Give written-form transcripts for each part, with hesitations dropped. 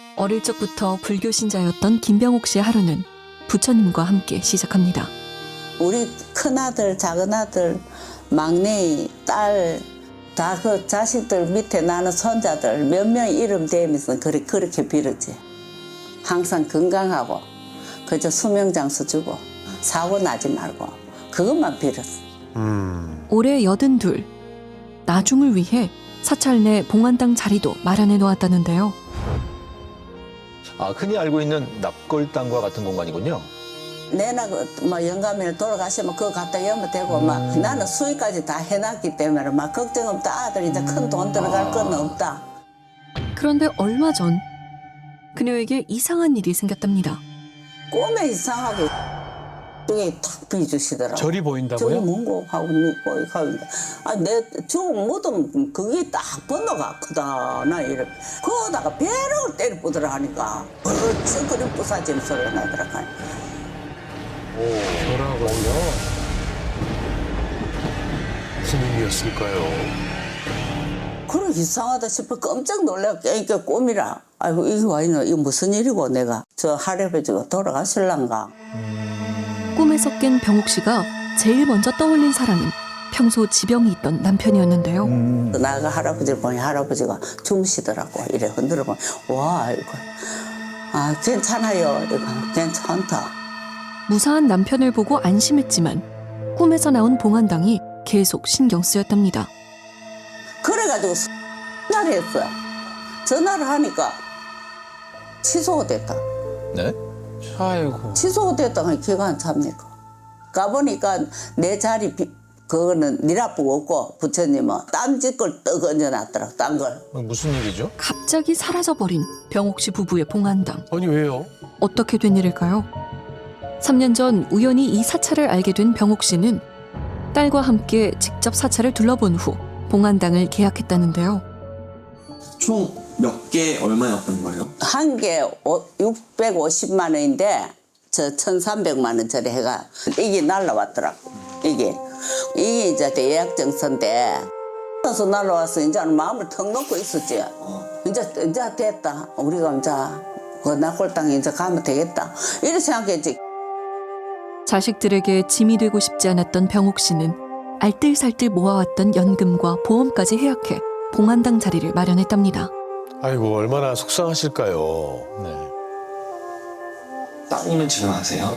어릴 적부터 불교 신자였던 김병옥 씨의 하루는 부처님과 함께 시작합니다. 우리 큰아들, 작은아들, 막내, 딸, 다 그 자식들 밑에 나는 손자들 몇 명 이름 대면서 그렇게 빌었지. 항상 건강하고 그저 수명장수 주고 사고 나지 말고 그것만 빌었어. 올해 82, 나중을 위해 사찰 내 봉안당 자리도 마련해 놓았다는데요. 아, 흔히 알고 있는 납골당과 같은 공간이군요. 내나 뭐 영감이 돌아가시면 그거 갖다 열면 되고 막 나는 수익까지 다 해놨기 때문에 막 걱정 없다. 아들 이제 큰 돈 들어갈 건 없다. 그런데 얼마 전 그녀에게 이상한 일이 생겼답니다. 꿈에 이상하게 저기 탁 비주시더라고. 절이 저기 보인다고요? 문고 하고 누고 하고 내 죽은 무덤 그게 딱 번호가 크다 나 이래. 그거다가 배를 때려보더라 하니까 어찌 그리 부사지는 소리가 나더라고. 절하고요. 무슨 의미였을까요? 그래 이상하다 싶어 깜짝 놀라 깨니까 꿈이라. 아이고 이게 와 있노 이거 무슨 일이고 내가 저 할아버지가 돌아가실란가. 꿈에서 깬 병옥 씨가 제일 먼저 떠올린 사람은 평소 지병이 있던 남편이었는데요. 나가 할아버지를 보니 할아버지가 주무시더라고. 이래 흔들어 보니 와 이거 아 괜찮아요. 이거 괜찮다. 무사한 남편을 보고 안심했지만 꿈에서 나온 봉안당이 계속 신경 쓰였답니다. 그래가지고 전화를 했어. 전화를 하니까 취소가 됐다. 네? 아이고. 취소가 됐다가 기가 안 찹니까. 가보니까 내 자리 그거는 니라쁘고 없고 부처님은 딴 집 걸 떡 얹어놨더라. 딴 걸. 무슨 일이죠? 갑자기 사라져버린 병옥 씨 부부의 봉안당. 아니 왜요? 어떻게 된 일일까요? 3년 전 우연히 이 사찰을 알게 된 병옥 씨는 딸과 함께 직접 사찰을 둘러본 후 봉안당을 계약했다는데요. 총 몇 개 얼마였던 거예요? 한 개 650만 원인데 저 1,300만 원짜리 해가 이게 날라왔더라고. 이게 이제 예약 정서인데 그래서 날라와서 이제 마음을 턱 놓고 있었지. 이제 됐다. 우리가 이제 그 납골당에 이제 가면 되겠다. 이렇게 생각했지. 자식들에게 짐이 되고 싶지 않았던 병옥 씨는 알뜰살뜰 모아왔던 연금과 보험까지 해약해 봉안당 자리를 마련했답니다. 아이고 얼마나 속상하실까요? 네. 따님은 지금 아세요?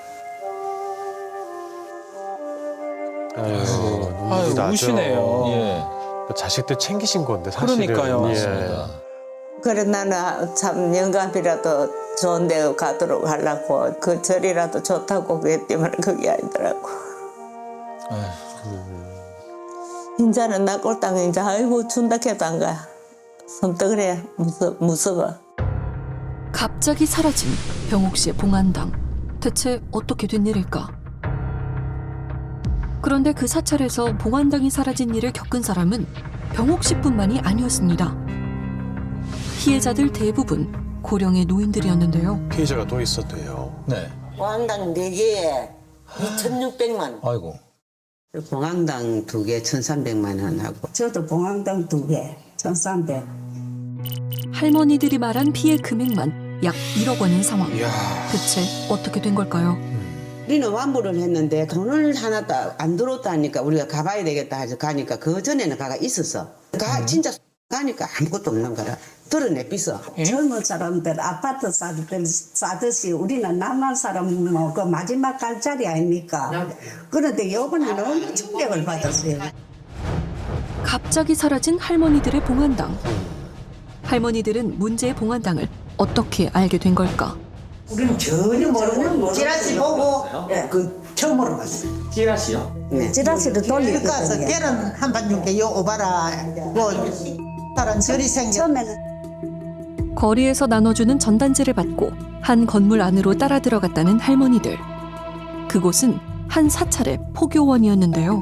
아이고 아유, 눈물이 나죠. 우시네요. 예. 자식들 챙기신 건데 사실은. 그러니까요. 예. 맞습니다. 그래 나는 참 영감이라도 좋은 데 가도록 하려고 그 절이라도 좋다고 그랬지만 그게 아니더라고. 이제는 납골당에 이제 아이고 준다 해도 안 가. 섬뜩을 해. 무서워. 갑자기 사라진 병옥 씨의 봉안당. 대체 어떻게 된 일일까? 그런데 그 사찰에서 봉안당이 사라진 일을 겪은 사람은 병옥 씨뿐만이 아니었습니다. 피해자들 대부분 고령의 노인들이었는데요. 피해자가 또 있었대요. 네. 봉황당 4개에 2,600만 원. 아이고. 봉황당 2개 1,300만 원 하고 저도 봉황당 2개 1,300. 할머니들이 말한 피해 금액만 약 1억 원인 상황. 이야. 대체 어떻게 된 걸까요? 우리는 환불을 했는데 돈을 하나도 안 들어왔다니까 우리가 가봐야 되겠다 해서 가니까 그 전에는 가가 있었어. 진짜 가니까 아무것도 없는 거라 드러내비서. 젊은 사람들 아파트 사듯이 우리는 남한 사람 뭐 그 마지막 갈 자리 아닙니까? 그런데 이번에는 너무 충격을 받았어요. 갑자기 사라진 할머니들의 봉안당. 할머니들은 문제의 봉안당을 어떻게 알게 된 걸까? 우리는 전혀 모르는 지라시 보고 그 처음으로 봤어요. 찌라시요? 네. 지라시를 돌리고 가서 계란 한판 줄게 요 오바라 뭐 다른 절이 생겨. 처음에는 거리에서 나눠주는 전단지를 받고 한 건물 안으로 따라 들어갔다는 할머니들. 그곳은 한 사찰의 포교원이었는데요.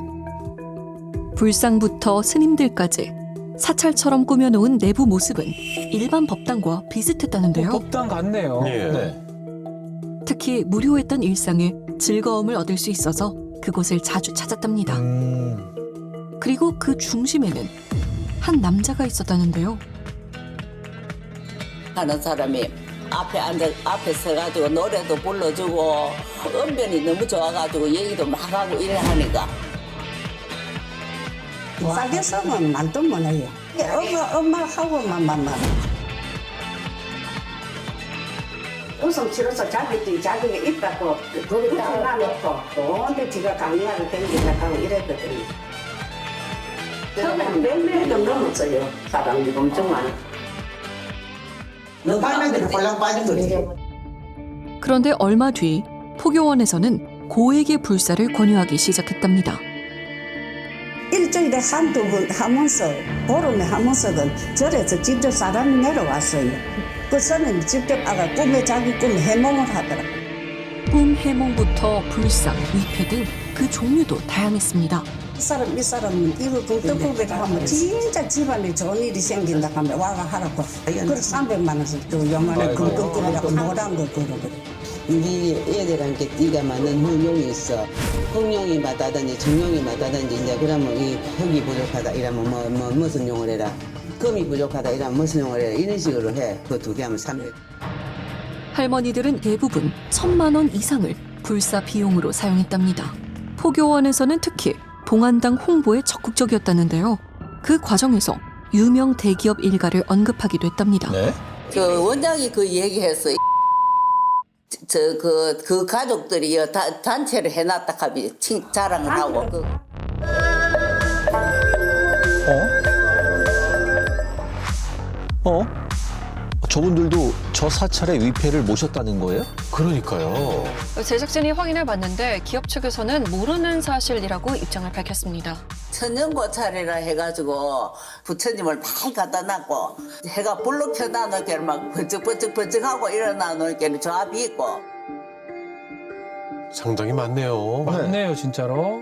불상부터 스님들까지 사찰처럼 꾸며놓은 내부 모습은 일반 법당과 비슷했다는데요. 법당 같네요. 예. 네. 특히 무료했던 일상에 즐거움을 얻을 수 있어서 그곳을 자주 찾았답니다. 그리고 그 중심에는 한 남자가 있었다는데요. 하는 사람이 앞에 서가지고 노래도 불러주고 언변이 너무 좋아가지고 얘기도 막 하고 이래 하니까 싸게 쓰면 말도 못해요. 엄마하고만. 웃음 치러서 자기가 있다고 거기다 놔놓고 근데 지가 강의하러 댕기려고 하고 이랬거든요. 처음에 몇 명도 넘었어요. 사람이 엄청 많아. 너 빨간데는 꼴랑 빠진 거지. 그런데 얼마 뒤 포교원에서는 고액의 불사를 권유하기 시작했답니다. 일주일에 한두 번 하면서 보름에 한 번씩은 절에서 직접 사람이 내려왔어요. 그 선은 직접 아가 자기 꿈에 해몽을 하더라고요. 꿈 해몽부터 불상, 위패 등 그 종류도 다양했습니다. 이 사람은 이거 떡국에다 하면 진짜 집안에 좋은 일이 생긴다 하면 와가 하라고. 그래서 300만 원씩 주고 요만한 금떡국이라고 노란 거 그러거든. 우리 애들한테 네가 맞는 흥룡이 있어. 흥룡이 맞다든지 정룡이 맞다든지 이제 그러면 이 흙이 부족하다 이러면 무슨 용을 해라. 금이 부족하다 이러면 무슨 용을 해라. 이런 식으로 해. 그 두 개 하면 300. 할머니들은 대부분 1,000만 원 이상을 불사 비용으로 사용했답니다. 포교원에서는 특히 봉안당 홍보에 적극적이었다는데요. 그 과정에서 유명 대기업 일가를 언급하기도 했답니다. 네. 그 원장이 그 얘기했어. 그 가족들이 단체를 해놨다 하면 자랑을 하고 저분들도 저 사찰의 위패를 모셨다는 거예요? 그러니까요. 제작진이 확인해 봤는데 기업 측에서는 모르는 사실이라고 입장을 밝혔습니다. 천년고찰이라 해가지고 부처님을 많이 갖다 놨고 해가 불로 켜놔놓게 막 번쩍번쩍하고 일어나놓게 저 앞이 있고 상당히 많네요. 맞네요, 진짜로.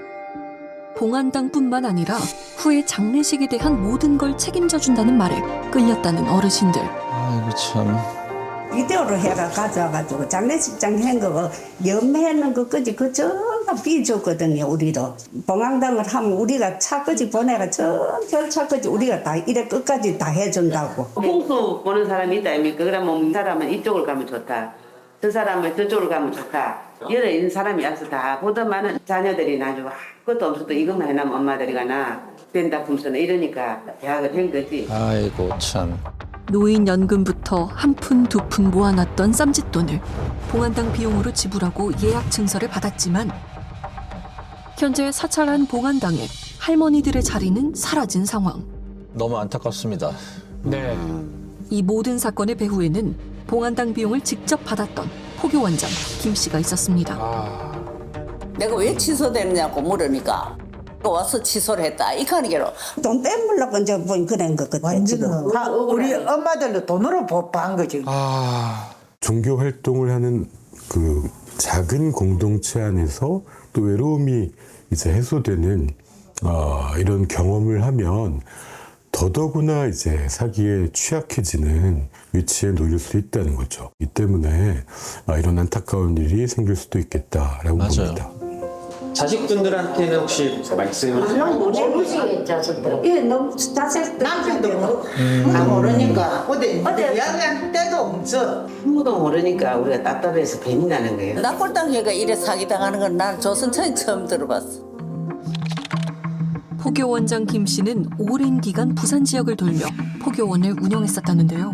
봉안당뿐만 아니라 후에 장례식에 대한 모든 걸 책임져 준다는 말에 끌렸다는 어르신들. 아이고 참. 비디오로 해가 가져와가지고 장례식장 한 거, 염해는 거까지 그 전부 비줬거든요, 우리도. 봉황당을 하면 우리가 차까지 보내가 전 결차까지 우리가 다 이래 끝까지 다 해준다고. 풍수 보는 사람이 있다 아닙니까? 그러면 이 사람은 이쪽으로 가면 좋다. 저 사람은 저쪽으로 가면 좋다. 여러 있는 사람이 와서 다 보더만은 자녀들이 나중에 그것도 없어도 이것만 해놓으면 엄마들이 가나 된다 품서는 이러니까 대학을 한 거지. 아이고 참. 노인연금부터 한 푼 두 푼 모아놨던 쌈짓돈을 봉안당 비용으로 지불하고 예약 증서를 받았지만 현재 사찰한 봉안당에 할머니들의 자리는 사라진 상황. 너무 안타깝습니다. 네. 이 모든 사건의 배후에는 봉안당 비용을 직접 받았던 포교원장 김 씨가 있었습니다. 아, 내가 왜 취소되느냐고 물으니까 와서 취소를 했다 이 가니게로 돈 빼물라고 이제 뭐 그런 거 같아, 지금. 우리 엄마들도 돈으로 보호한 거지. 종교 활동을 하는 그 작은 공동체 안에서 또 외로움이 이제 해소되는 이런 경험을 하면 더더구나 이제 사기에 취약해지는 위치에 놓일 수 있다는 거죠. 이 때문에 이런 안타까운 일이 생길 수도 있겠다라고 맞아요. 봅니다. 자식분들한테는 혹시 말씀을 모르시겠죠, 예, 너무 자식 남편도 다 모르니까 어디 이야기할 때도 없어. 아무도 모르니까 우리가 답답해서 괜히 나는 거예요. 납골당회가 이래 사기당하는 건 난 조선천에 처음 들어봤어. 포교원장 김 씨는 오랜 기간 부산 지역을 돌며 포교원을 운영했었다는데요.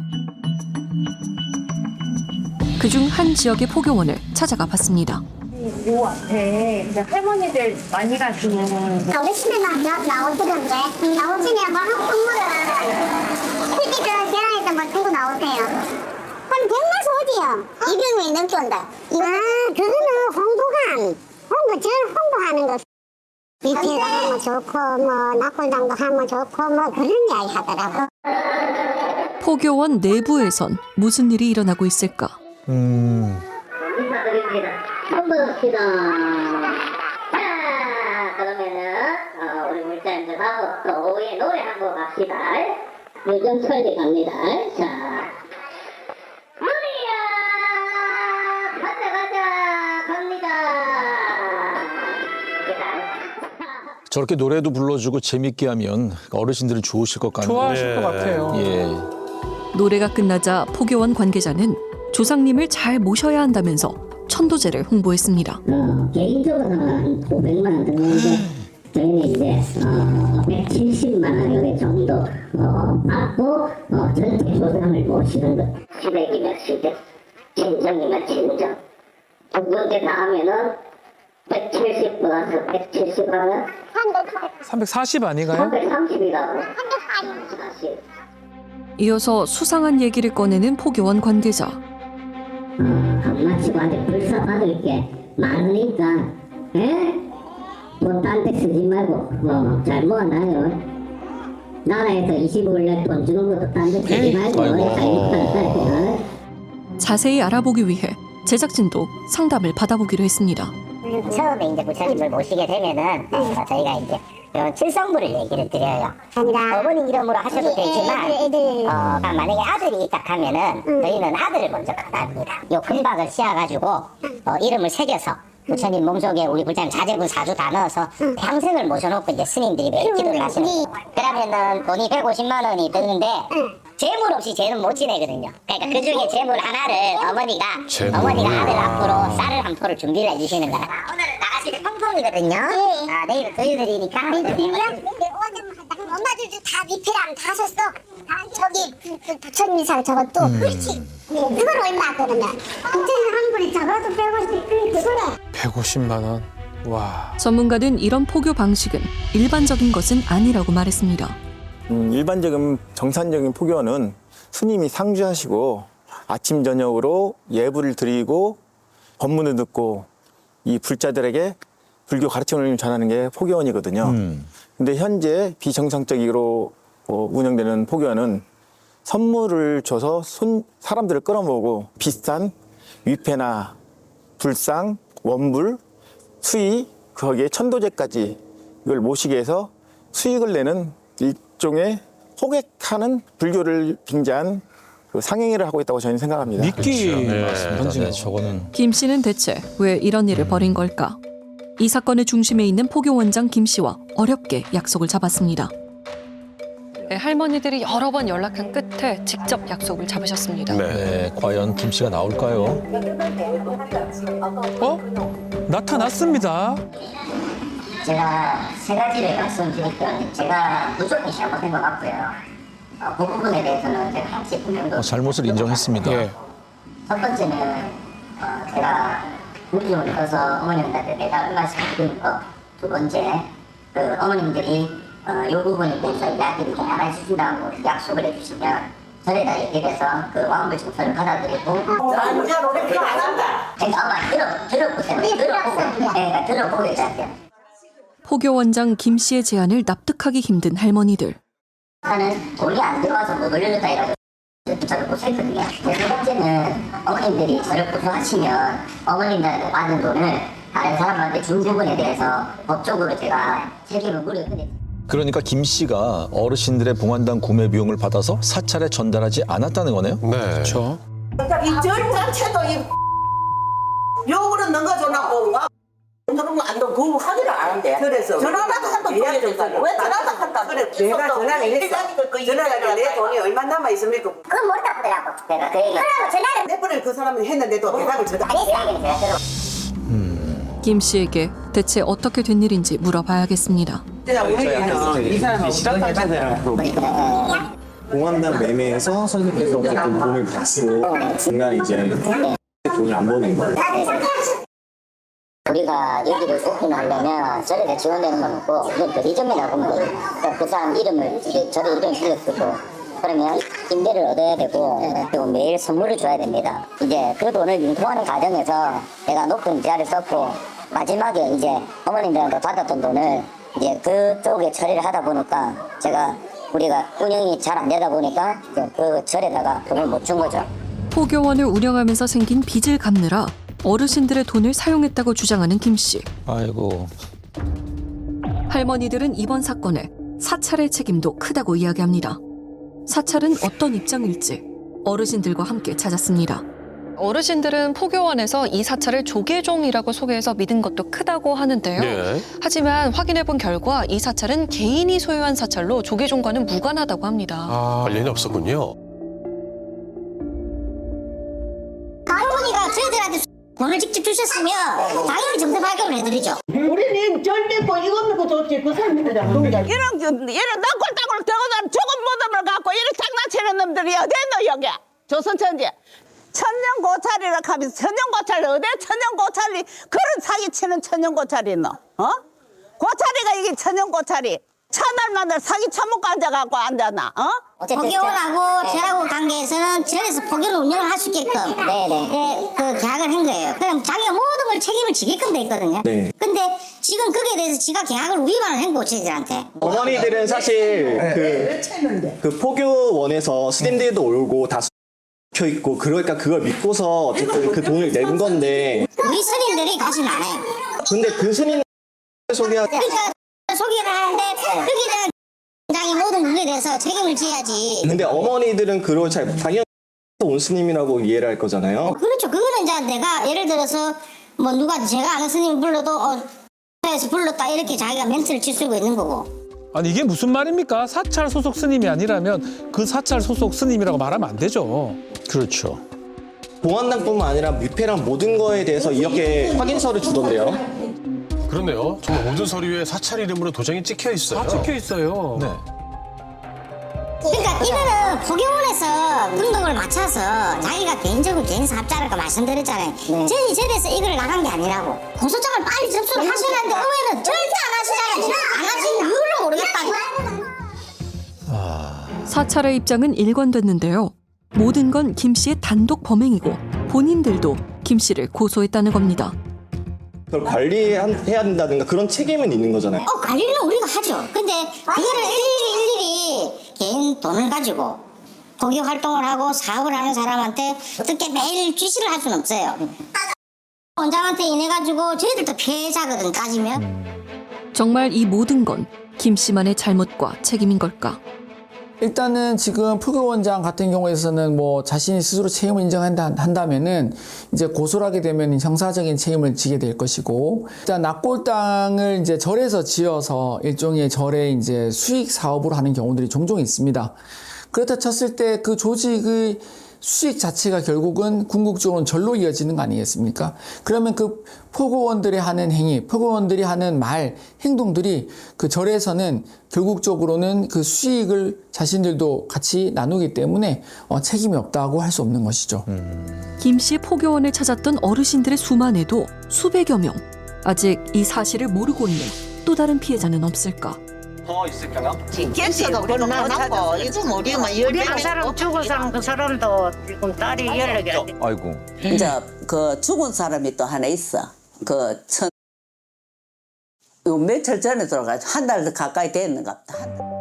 그중 한 지역의 포교원을 찾아가 봤습니다. 요 앞에 이제 할머니들 많이 가시는 우리 집에 나오시던데 나오시면 뭐 선물을 특히 그 계란에서 뭐 들고 나오세요. 그럼 100만 오지요. 200명이 넘게 온다. 그거는 홍보 홍보하는 거. 위패가 하면 좋고 뭐 납골당도 하면 좋고 뭐 그런 이야기 하더라고. 포교원 내부에선 무슨 일이 일어나고 있을까? 인사드립니다. 홍보합시다. 자, 그러면은 우리 물자 좀 하고 또 오후에 노래 한곡 합시다. 요즘 설계 갑니다. 자, 우리야 가자 갑니다. 저렇게 노래도 불러주고 재밌게 하면 어르신들은 좋으실 것 같네요. 좋아하실 것 같아요. 예. 노래가 끝나자 포교원 관계자는 조상님을 잘 모셔야 한다면서 천도제를 홍보했습니다. 개인적으로는 500만 원 드는데 저희는 이제 170만 원 요게 정도 받고 전체 조상을 모시는 것. 시댁이면 시댁, 친정이면 친정. 그렇게 나오면은 170 플러스 170 하면 340 아닌가요? 330이라고. 이어서 수상한 얘기를 꺼내는 포교원 관계자. 강마치고 아직 불사 받을 게 많으니까, 예? 뭐 딴 데 쓰지 말고 잘 모아놔요. 나라에서 25일날 돈 주는 것도 딴 데 쓰지 말고. 자세히 알아보기 위해 제작진도 상담을 받아보기로 했습니다. 처음에 이제 부처님을 모시게 되면은 저희가 이제 이런 칠성부를 얘기를 드려요. 어머니 이름으로 하셔도 되지만 만약에 아들이 있다 하면은 저희는 아들을 먼저 받아합니다. 요 금박을 씌워가지고 이름을 새겨서 부처님 몸속에 우리 불자님 자제분 사주 다 넣어서 평생을 모셔놓고 이제 스님들이 매일 기도를 하시는 거예요. 그러면은 돈이 150만 원이 드는데 재물 없이 쟤는 못 지내거든요. 그러니까 그 중에 재물 하나를 어머니가 아들 앞으로 쌀을 한 포를 준비를 해주시는 거야. 오늘은 나가실 때 펑펑이거든요. 내일 토요일이니까. 엄마들도 다 리필하면 다 샀어. 저기 부처님상 저것도. 그렇지. 그걸 얼마 그러면? 부처님 한 분이 잡아도 150, 그거래. 150만 원. 와. 전문가는 이런 포교 방식은 일반적인 것은 아니라고 말했습니다. 일반적인 정상적인 포교는 스님이 상주하시고 아침 저녁으로 예불을 드리고 법문을 듣고 이 불자들에게 불교 가르침을 전하는 게 포교원이거든요. 근데 현재 비정상적으로 운영되는 포교원은 선물을 줘서 사람들을 끌어모으고 비싼 위패나 불상, 원불, 수의, 거기에 천도제까지 이걸 모시게 해서 수익을 내는 일종의 호객하는 불교를 빙자한 그 상행위를 하고 있다고 저는 생각합니다. 미끼 네, 저거는 김 씨는 대체 왜 이런 일을 벌인 걸까? 이 사건의 중심에 있는 포교원장 김 씨와 어렵게 약속을 잡았습니다. 할머니들이 여러 번 연락한 끝에 직접 약속을 잡으셨습니다. 네, 과연 김 씨가 나올까요? 나타났습니다. 제가 세 가지를 말씀드릴게요. 제가 무조건 잘못된 것 같고요. 그 부분에 대해서는 제가 같이 분명히 잘못을 인정했습니다. 예. 첫 번째는 제가 무기용을 넣어서 어머님한테 매달 얼마씩 드리는 거. 두 번째, 그 어머님들이 이 부분에 대해서 이야기를 좀 안 해주신다고 약속을 해주시면 절에다 얘기를 해서 그 왕불 증서를 받아들이고 완전 오래 필요 안 한다. 그러니까 엄마 들어보세요. 그러니까 들어보게 해야 포교원장 김 씨의 제안을 납득하기 힘든 할머니들. 나는 돈이 안 들어와서 못 올려줬다 해가지고 저를 고소했거든요. 세 번째는 어머님들이 저를 고소하시면 어머님들한테 받은 돈을 다른 사람한테 준 부분에 대해서 법적으로 제가 책임을 물어요. 그러니까 김 씨가 어르신들의 봉안당 구매 비용을 받아서 사찰에 전달하지 않았다는 거네요? 네. 그렇죠. 이절 자체도 욕으로 넘겨줘놓고 그러면 안 돼. 그거 하기를 안 한대. 그래서 전화라도 한번 돌려줬다고. 왜 전화도 한다. 그래. 내가 전화를 했어. 전화를 내 돈이 얼마 남아 있습니까? 그건 모르다 보더라고. 내가 그 얘기. 그러고 전화를 몇 번을 그 사람은 했는데도 대답을 저도 안 했어요. 제가 들어. 김 씨에게 대체 어떻게 된 일인지 물어봐야겠습니다. 이 사람이 실화탄 자세라고 공항당 매매에서 선생님께서 어쨌든 돈을 받고 중간에 이제 돈을 안 버는 거예요. 우리가 여기를 오픈하려면 절에 지원되는 건 없고 이건 대리점이라고 하면 돼요. 그러니까 그 사람 이름을 절에 이름을 빌려쓰고 그러면 임대를 얻어야 되고 그리고 매일 선물을 줘야 됩니다. 이제 그 돈을 융통하는 과정에서 내가 높은 지하를 썼고 마지막에 이제 어머님들한테 받았던 돈을 이제 그쪽에 처리를 하다 보니까 우리가 운영이 잘 안 되다 보니까 그 절에다가 돈을 못 준 거죠. 포교원을 운영하면서 생긴 빚을 갚느라 어르신들의 돈을 사용했다고 주장하는 김 씨. 아이고. 할머니들은 이번 사건에 사찰의 책임도 크다고 이야기합니다. 사찰은 어떤 입장일지 어르신들과 함께 찾았습니다. 어르신들은 포교원에서 이 사찰을 조계종이라고 소개해서 믿은 것도 크다고 하는데요. 네. 하지만 확인해본 결과 이 사찰은 개인이 소유한 사찰로 조계종과는 무관하다고 합니다. 관련이 없었군요. 저희들한테 돈을 직접 주셨으면 당연히 정서 발급을 해드리죠. 우리는 절대 뭐 이거 먹고 좋지 그 사람들이랑 이런 낭골땅골 들어가서 죽은 무덤을 갖고 이런 장난치는 놈들이 어디 있노 여기 조선천지 천년고찰이라 하면서 천년고찰이 어디 천년고찰이 그런 사기치는 천년고찰이 있노 고찰이가 이게 천년고찰이 천날만을 사기 처먹고 앉아갖고 앉았나 포교원하고 저하고 관계에서는 절에서 포교를 운영을 할 수 있게끔 그 계약을 한 거예요. 그럼 자기가 모든 걸 책임을 지게끔 돼 있거든요. 네. 근데 지금 거기에 대해서 지가 계약을 위반을 한 거고 저희들한테. 어머니들은 사실 그 포교원에서 스님들도 오고 다 켜 있고 그러니까 그걸 믿고서 어쨌든 그 돈을 낸 건데 우리 스님들이 가진 않아요. 근데 그 스님 소개하 그러니까 소개를 하는데 거기에 대한 당의 모든 부분에 대해서 책임을 져야지. 근데 어머니들은 그걸 잘 당연히 온 스님이라고 이해를 할 거잖아요. 그렇죠. 그거는 이제 내가 예를 들어서 뭐 누가 제가 아는 스님을 불러도 에서 불렀다 이렇게 자기가 멘트를 칠 수가 있는 거고. 아니 이게 무슨 말입니까? 사찰 소속 스님이 아니라면 그 사찰 소속 스님이라고 말하면 안 되죠. 그렇죠. 봉안당뿐만 아니라 뷔페랑 모든 거에 대해서 이렇게 확인서를 주던데요. 그렇네요. 정말 모든 서류에 사찰 이름으로 도장이 찍혀 있어요. 다 찍혀 있어요. 네. 그러니까 이거는 포교원에서 등록을 맞춰서 자기가 개인적으로 개인 사업자라고 말씀드렸잖아요. 저희 절에서 이걸 나간 게 아니라고. 공소장을 빨리 접수를 하시는데 의회는 절대 안 하시잖아요. 지금 안 하시는 이유를 모르겠다고. 사찰의 입장은 일관됐는데요. 모든 건 김 씨의 단독 범행이고 본인들도 김 씨를 고소했다는 겁니다. 그걸 관리해야 된다든가 그런 책임은 있는 거잖아요. 관리는 우리가 하죠. 근데 그거를 일일이 개인 돈을 가지고 포교 활동을 하고 사업을 하는 사람한테 어떻게 매일 지시를 할 수는 없어요. 원장한테 인해 가지고 저희들도 피해자거든 따지면. 정말 이 모든 건 김 씨만의 잘못과 책임인 걸까? 일단은 지금 포교원장 같은 경우에서는 뭐 자신이 스스로 책임을 인정한다면은 이제 고소를 하게 되면 형사적인 책임을 지게 될 것이고, 일단 납골당을 이제 절에서 지어서 일종의 절의 이제 수익 사업으로 하는 경우들이 종종 있습니다. 그렇다 쳤을 때 그 조직의 수익 자체가 결국은 궁극적으로는 절로 이어지는 거 아니겠습니까? 그러면 그 포교원들이 하는 행위, 포교원들이 하는 말, 행동들이 그 절에서는 결국적으로는 그 수익을 자신들도 같이 나누기 때문에 책임이 없다고 할 수 없는 것이죠. 김 씨 포교원을 찾았던 어르신들의 수만 해도 수백여 명. 아직 이 사실을 모르고 있는 또 다른 피해자는 없을까? 더 있을까요? 겠어도 그만하고 이거 모르면 그 사람 죽은 사람 그 사람도 지금 딸이 연락이 안 돼. 아이고. 이제 그 죽은 사람이 또 하나 있어 요 며칠 전에 돌아가지고 한 달 가까이 됐는가 보다.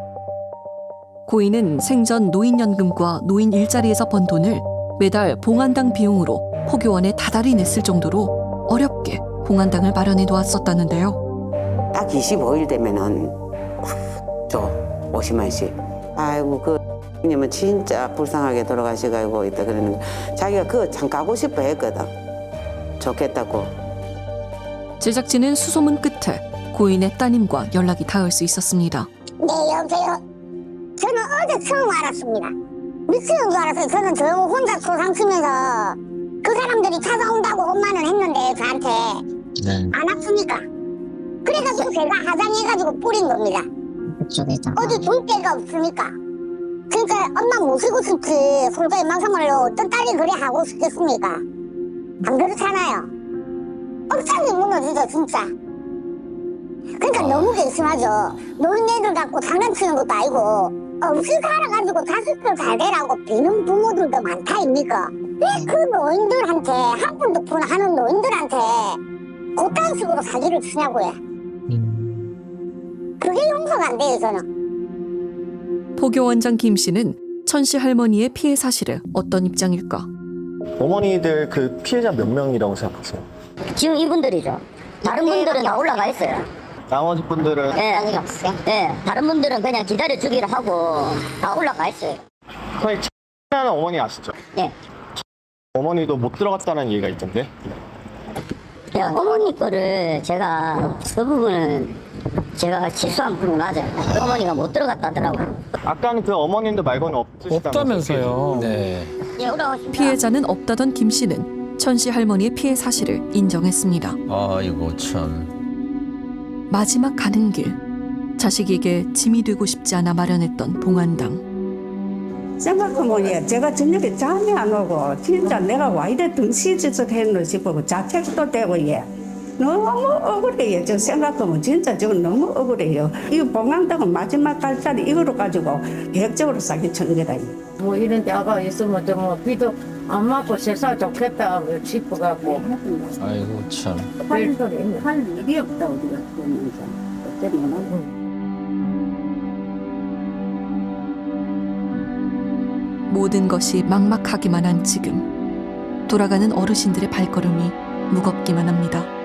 고인은 생전 노인연금과 노인 일자리에서 번 돈을 매달 봉안당 비용으로 포교원에 다달이 냈을 정도로 어렵게 봉안당을 마련해 놓았었다는데요. 딱 25일 되면은 줘 50만씩. 아이고 그 님은 진짜 불쌍하게 돌아가시고 있다 그러는 거. 자기가 그거 참 가고 싶어 했거든. 좋겠다고. 제작진은 수소문 끝에 고인의 따님과 연락이 닿을 수 있었습니다. 네, 여보세요. 저는 어제 처음 알았습니다. 미치는 줄 알았어요. 저는 저 혼자 소상 치면서 그 사람들이 찾아온다고 엄마는 했는데 저한테 안 왔으니까. 그래가지고 제가 화장해가지고 뿌린 겁니다. 어디 둘 데가 없으니까. 그러니까 엄마 모시고 싶지. 솔직히 막상말로 어떤 딸이 그래 하고 싶겠습니까? 안 그렇잖아요. 억장이 무너지죠 진짜. 그러니까 너무 괘씸하죠. 노인네들 갖고 장난치는 것도 아니고 음식 살아가지고 자식들 잘 되라고 비는 부모들도 많다 입니까? 왜 그 노인들한테 한 푼 두 푼 하는 노인들한테 그딴 식으로 사기를 치냐고요. 그게 용서가 안 돼요 저는. 포교원장 김 씨는 천씨 할머니의 피해 사실에 어떤 입장일까? 어머니들 그 피해자 몇 명이라고 생각하세요? 지금 이분들이죠. 다른 분들은 다 올라가 있어요. 나머지 분들은 네, 다른 분들은 그냥 기다려 주기로 하고 다 올라가 있어요. 거의 하는 어머니 아시죠? 네. 어머니도 못 들어갔다는 얘기가 있던데. 어머니 거를 제가 그 부분은 제가 실수한 부분 맞아요. 어머니가 못 들어갔다더라고요. 아까는 그 어머님들 말고는 없으시다면서요? 없다면서요. 네. 예, 올라오십니다. 피해자는 없다던 김 씨는 천씨 할머니의 피해 사실을 인정했습니다. 아이고 참. 마지막 가는 길, 자식에게 짐이 되고 싶지 않아 마련했던 봉안당. 생각하면 제가 저녁에 잠이 안 오고 진짜 내가 와 이래 등시짓을 했노 싶고 자책도 되고 너무 억울해요. 저 생각하면 진짜 저건 너무 억울해요. 이 봉안당은 마지막 갈자리 이거로 가지고 계획적으로 사기치는 거다. 뭐 이런 데가 있으면 좀 비도 안 맞고 세상 좋겠다 싶어갖고. 아이고 참. 할 일이 없다 우리가 보면서. 모든 것이 막막하기만 한 지금, 돌아가는 어르신들의 발걸음이 무겁기만 합니다.